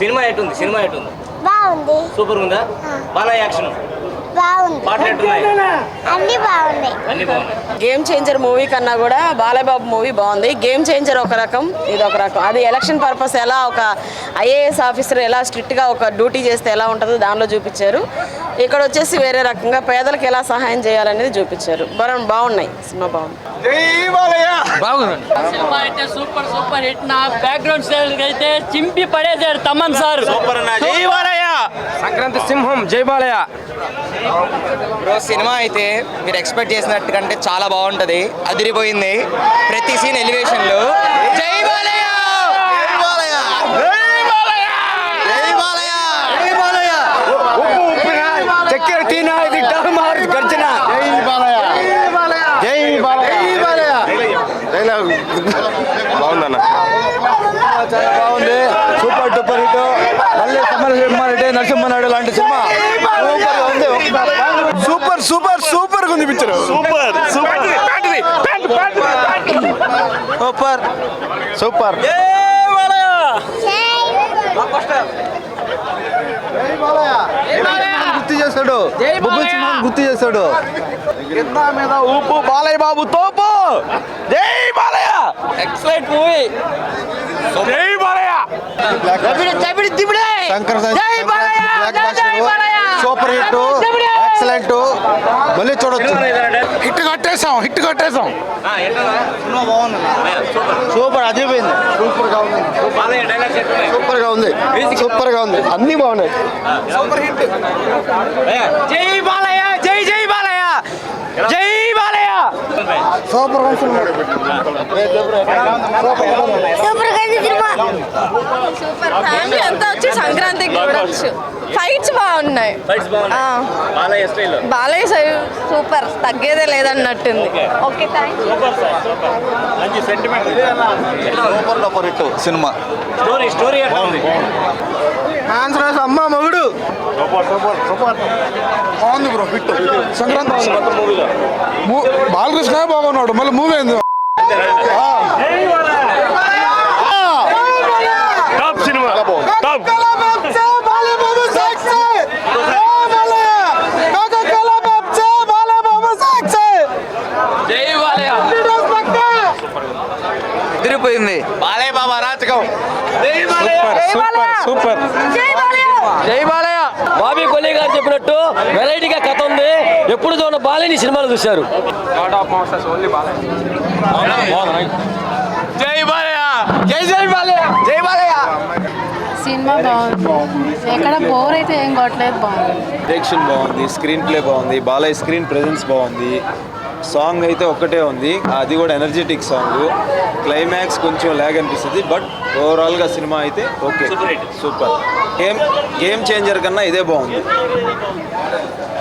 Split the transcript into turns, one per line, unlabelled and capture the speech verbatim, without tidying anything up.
Cinema ఎట్టుంది cinema ఎట్టుంది
బాగుంది
సూపర్ ఉందా బాగా యాక్షన్
బాగుంది
పాటలు ఎట్టున్నాయి
అన్ని బాగున్నాయి
అన్ని బాగున్నాయి
గేమ్ చేంజర్ మూవీ కన్నా కూడా బాలయ్యబాబు మూవీ బాగుంది. గేమ్ చేంజర్ ఒక రకం, ఇది ఒక రకం. అది ఎలక్షన్ పర్పస్ ఎలా ఒక ఐఏఎస్ ఆఫీసర్ ఎలా స్ట్రిక్ట్గా ఒక డ్యూటీ చేస్తే ఎలా ఉంటుందో దానిలో చూపించారు. ఇక్కడ వచ్చేసి వేరే రకంగా పేదలకు ఎలా సహాయం చేయాలనేది చూపించారు. బరం బాగున్నాయి, సినిమా బాగుంది.
సినిమా అయితే సూపర్ సూపర్ హిట్. నా బ్యాక్గ్రౌండ్ స్టైల్ అయితే చింపి పడేసారు తమన్ సార్.
సంక్రాంతి సింహం జై బాలయ్య.
బ్రో సినిమా అయితే మీరు ఎక్స్పెక్ట్ చేసినట్టు కంటే చాలా బాగుంటది, అదిరిపోయింది. ప్రతి సీన్ ఎలివేషన్లు జై బాలయ్య
చక్కెర టీనా ఇది టర్మార్ గర్జన జై బాలయ్య జై బాలయ్య. బాగుందన్న, చాలా బాగుంది. Super duper hit. మళ్ళీ సమరసింహారెడ్డి నరసింహనాయుడు లాంటి సినిమా సూపర్ సూపర్ సూపర్ ఉంది picture. Super super super super గుర్తు చేస్తాడు, బొబ్బుల్ సింహాన్ని గుర్తు చేస్తాడు. కింద మీద ఊపు బాలయ్య బాబు తోపు. జై బాలయ్య.
Excellent movie.
జై బాలయ్య. Super hit, excellent. మళ్ళీ చూడొచ్చు. హిట్ కొట్టేసాం హిట్ కొట్టేసాం సూపర్ అదిరిపోయింది. సూపర్ గా ఉంది, సూపర్ గా ఉంది, సూపర్ గా ఉంది. అన్ని బాగున్నాయి. Super hit.
జై బాలయ్య జై జై బాలయ్య జై బాలయ్య.
సూపర్ గా
సూపర్
సూపర్ ఫ్యామిలీ అంతా వచ్చి సంక్రాంతికి చూడొచ్చు. ఫైట్స్ బాగున్నాయి.
బాలయ్య స్టైల్
బాలయ్య సూపర్, తగ్గేదే లేదన్నట్టుంది. Okay thank you.
మంచి sentiment
super duper hit cinema.
Story story ఎట్లా ఉంది
ఆంధ్రాస్ అమ్మ మగుడు. బాగుంది బ్రో హిట్. సంక్రాంతి
మూవీలో
బాలకృష్ణ బాగున్నాడు. మళ్ళీ మూవీ ఏంది
టాప్ సినిమా టాప్.
జై బాలయ్య. అదిరిపోయింది. బాలయ్య బాబా అరాచకం.
సూపర్ సూపర్
జై బాలయ్య.
బాబీ కొల్లి గారు చెప్పినట్టు వెరైటీగా కథ ఉంది. ఎప్పుడు చూడ బాలయ్యని సినిమాలు చూశారు.
జై బాలయ్య జై జై బాలయ్య జై బాలయ్య.
సినిమా బాగుంది, ఎక్కడ బోర్ అయితే ఏం కొట్టలేదు. బాగుంది,
డైరెక్షన్ బాగుంది, స్క్రీన్ ప్లే బాగుంది, బాలయ్య స్క్రీన్ ప్రెజెన్స్ బాగుంది. సాంగ్ అయితే ఒక్కటే ఉంది, అది కూడా ఎనర్జెటిక్ సాంగ్. క్లైమాక్స్ కొంచెం ల్యాగ్ అనిపిస్తుంది, బట్ ఓవరాల్గా సినిమా అయితే okay super. Game game changer కన్నా ఇదే బాగుంది.